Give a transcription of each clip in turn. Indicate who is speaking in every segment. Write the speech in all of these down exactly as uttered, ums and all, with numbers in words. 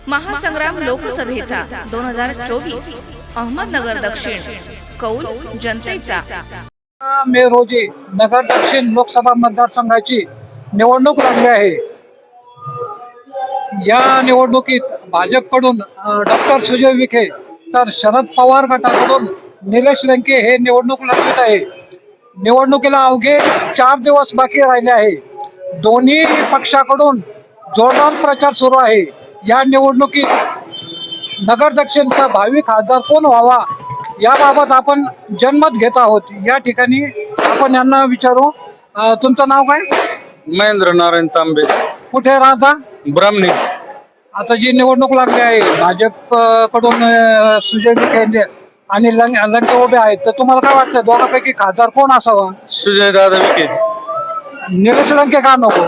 Speaker 1: महासंग्राम लोकसभेचा दोन हजार चोवीस अहमदनगर दक्षिण कौल जनतेचा
Speaker 2: मे रोजी नगर दक्षिण लोकसभा मतदारसंघाची निवडणूक लागली आहे। या निवडणुकीत भाजपकडून डॉक्टर सुजय विखे तर शरद पवार गटाकडून निलेश लंके हे निवडणूक लढवत आहे। निवडणुकीला अवघे चार दिवस बाकी राहिले आहे। दोन्ही पक्षाकडून जोरदार प्रचार सुरू आहे। या निवडणुकीत नगर दक्षिणचा भावी खासदार कोण व्हावा याबाबत आपण जनमत घेत आहोत। या ठिकाणी आपण यांना विचारू, तुमचं नाव काय?
Speaker 3: महेंद्र नारायण तांबे।
Speaker 2: कुठे राहता?
Speaker 3: ब्राह्मणी।
Speaker 2: आता जी निवडणूक लागली आहे भाजप कडून सुजय विखे आणि लंके उभे आहेत, तर तुम्हाला काय वाटतं दोघांपैकी खासदार कोण असावा?
Speaker 3: सुजय दादा विखे।
Speaker 2: निलेश लंके का नको?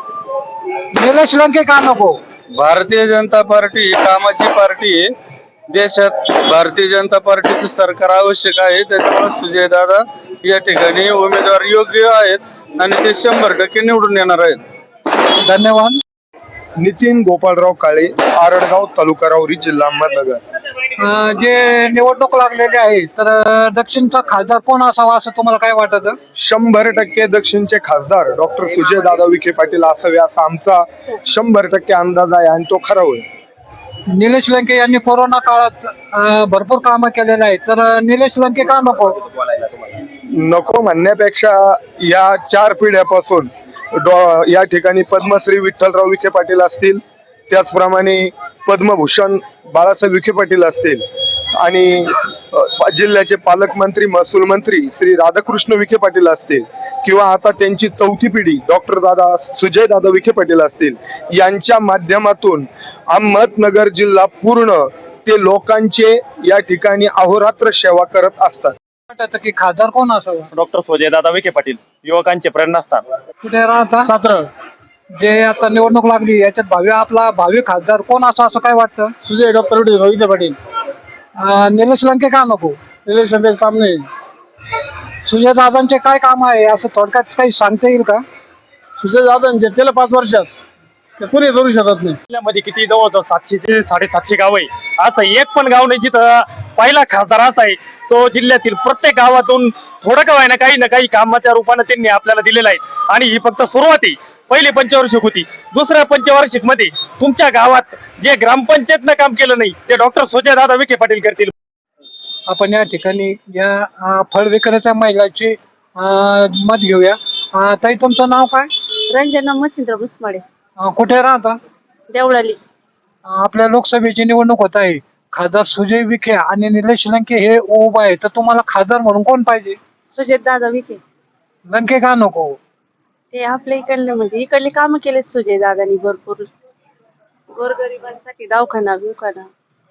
Speaker 2: निलेश लंके का नको?
Speaker 3: भारतीय जनता पार्टी ही कामाची पार्टी आहे। देशात भारतीय जनता पार्टीचं सरकार आवश्यक आहे, त्याच्यामुळे सुजय दादा या ठिकाणी उमेदवार योग्य आहेत आणि ते शंभर टक्के निवडून येणार आहेत।
Speaker 2: धन्यवाद।
Speaker 4: नितीन गोपाळराव काळे, आरडगाव, तालुका राहुरी, जिल्हा अहमदनगर।
Speaker 2: जे निवडणूक लागलेली आहे, तर दक्षिणचा खासदार कोण असावा असं तुम्हाला काय वाटतं?
Speaker 4: शंभर टक्के दक्षिणचे खासदार डॉक्टर सुजय दादा विखे पाटील असावे असा आमचा शंभर टक्के अंदाज आहे आणि तो खरा होईल।
Speaker 2: निलेश लंके यांनी कोरोना काळात भरपूर कामं केलेले आहेत, तर निलेश लंके का नको?
Speaker 4: नको म्हणण्यापेक्षा या चार पिढ्यापासून या ठिकाणी पद्मश्री विठ्ठलराव विखे पाटील असतील, त्याचप्रमाणे पद्मभूषण बाळासाहेब विखे पाटील असतील आणि जिल्ह्याचे पालकमंत्री महसूल मंत्री श्री राधाकृष्ण विखे पाटील असतील किंवा आता त्यांची चौथी पिढी डॉक्टर दादा सुजय दादा विखे पाटील असतील, यांच्या माध्यमातून अहमदनगर जिल्हा पूर्ण ते लोकांचे या ठिकाणी अहोरात्र सेवा करत असतात।
Speaker 2: की खासदार कोण असावा?
Speaker 5: डॉक्टर सुजय दादा विखे पाटील, युवकांचे प्रेरणास्थान।
Speaker 2: कुठे राहता?
Speaker 5: सातारा।
Speaker 2: जे आता निवडणूक लागली याच्यात भावी आपला भावी खासदार कोण असा असं काय वाटतं?
Speaker 5: सुजय डॉक्टर विखे पाटील।
Speaker 2: निलेश लंके का नको?
Speaker 5: निलेश लंके काम नाही।
Speaker 2: सुजय दादांचे काय काम आहे असं थोडक्यात काही सांगता येईल का?
Speaker 5: सुजय दादांचे त्याला पाच वर्षात ते पुरे करू शकत नाही। जिल्ह्यामध्ये किती जवळ सातशे ते साडेसातशे गाव आहे, असं एक पण गाव नाही जिथं पहिला खासदार असा आहे तो जिल्ह्यातील प्रत्येक गावातून थोडं का व्हायना काही ना काही कामाच्या रूपाने त्यांनी आपल्याला दिलेलं आहे। आणि ही फक्त सुरुवात आहे, पहिली पंचवार्षिक होती। दुसऱ्या पंचवार्षिक मध्ये तुमच्या गावात जे ग्रामपंचायतनं काम केलं नाही ते डॉक्टर सुजय दादा विखे पाटील करतील।
Speaker 2: आपण या ठिकाणी या फळ विक्रेत्या महिलाची मत घेऊया। ताई, तुमचं नाव काय?
Speaker 6: रंजना मच्छिंद्र भुसमाडे।
Speaker 2: कुठे राहता?
Speaker 6: देवळाली।
Speaker 2: आपल्या लोकसभेची निवडणूक होत आहे, खासदार सुजय विखे आणि निलेश लंके हे उभा आहे, तर तुम्हाला खासदार म्हणून कोण पाहिजे?
Speaker 6: सुजय दादा विखे।
Speaker 2: लंके का नको?
Speaker 6: ते आपल्या इकडले म्हणजे इकडले काम केले सुजय दादानी भरपूर, गोरगरिबांसाठी दवाखाना बिवखाना।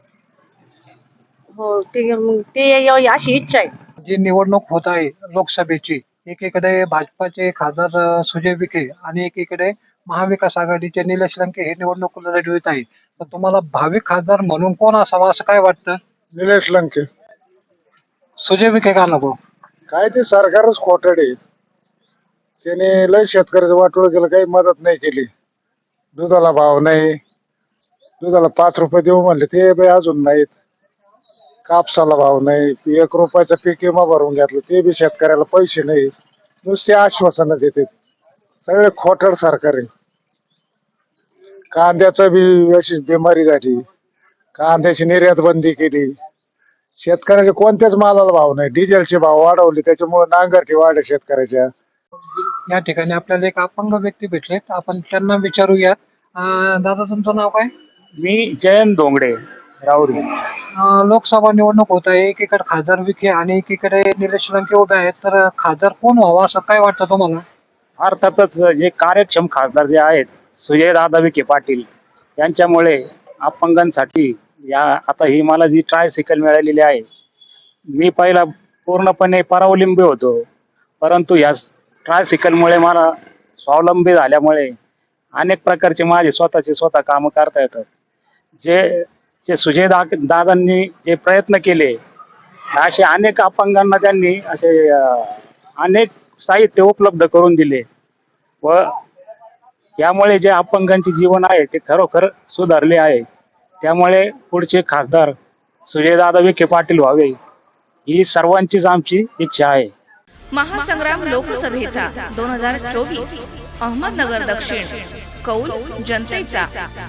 Speaker 6: हो, ते ते अशी इच्छा आहे।
Speaker 2: जी निवडणूक होत आहे लोकसभेची, एकीकडे भाजपाचे खासदार सुजय विखे आणि एकीकडे महाविकास आघाडीचे निलेश लंके हे निवडणूक लढवित आहे, तर तुम्हाला भावी खासदार म्हणून कोण असावा असं काय वाटतं?
Speaker 4: निलेश लंके।
Speaker 2: सुजय विखे का नको?
Speaker 4: काय ते सरकारच खोटड आहे, त्याने लय शेतकऱ्याचं वाटोळ केलं, काही मदत नाही केली। दुधाला भाव नाही, दुधाला पाच रुपये देऊ म्हणले ते बी अजून नाहीत। कापसाला भाव नाही, एक रुपयाचा पीक विमा भरून घेतलं ते बी शेतकऱ्याला पैसे नाही, नुसते आश्वासनं देते। सगळे खोटड सरकार आहे। कांद्याचं बी अशी बिमारी झाली, कांद्याची निर्यात बंदी केली, शेतकऱ्याच्या कोणत्याच मालाला भाव नाही, डिझेलचे भाव वाढवले, त्याच्यामुळे नांगरटी वाढले शेतकऱ्याच्या।
Speaker 2: या ठिकाणी आपल्याला एक अपंग व्यक्ती भेटलेत, आपण त्यांना विचारूया। दादा, तुमचं नाव काय?
Speaker 5: मी जयंत डोंगडे, राहुरी।
Speaker 2: लोकसभा निवडणूक होत आहे, एकीकडे खासदार विखे आणि एकीकडे निलेश लंके उभे आहेत, तर खासदार कोण व्हावा असं काय वाटतं तुम्हाला?
Speaker 5: अर्थातच जे कार्यक्षम खासदार जे आहेत सुजय दादा विखे पाटील यांच्यामुळे अपंगांसाठी या आता ही मला जी ट्रायसायकल मिळालेली आहे, मी पहिला पूर्णपणे परावलंबी होतो, परंतु या ट्रायसायकलमुळे मला स्वावलंबी झाल्यामुळे अनेक प्रकारचे माझे स्वतःचे स्वतः कामं करता येतात। जे जे सुजय दा दादांनी जे प्रयत्न केले असे अनेक अपंगांना त्यांनी असे अनेक साहित्य उपलब्ध करून दिले व यामुळे जे अपंगांचे जीवन आहे ते खरोखर सुधारले आहे। त्यामुळे पुढचे खासदार सुजयदादा विखे पाटील व्हावे ही सर्वांचीच आमची इच्छा आहे.
Speaker 1: महासंग्राम लोकसभेचा दोन हजार चोवीस अहमदनगर दक्षिण कौल जनतेचा.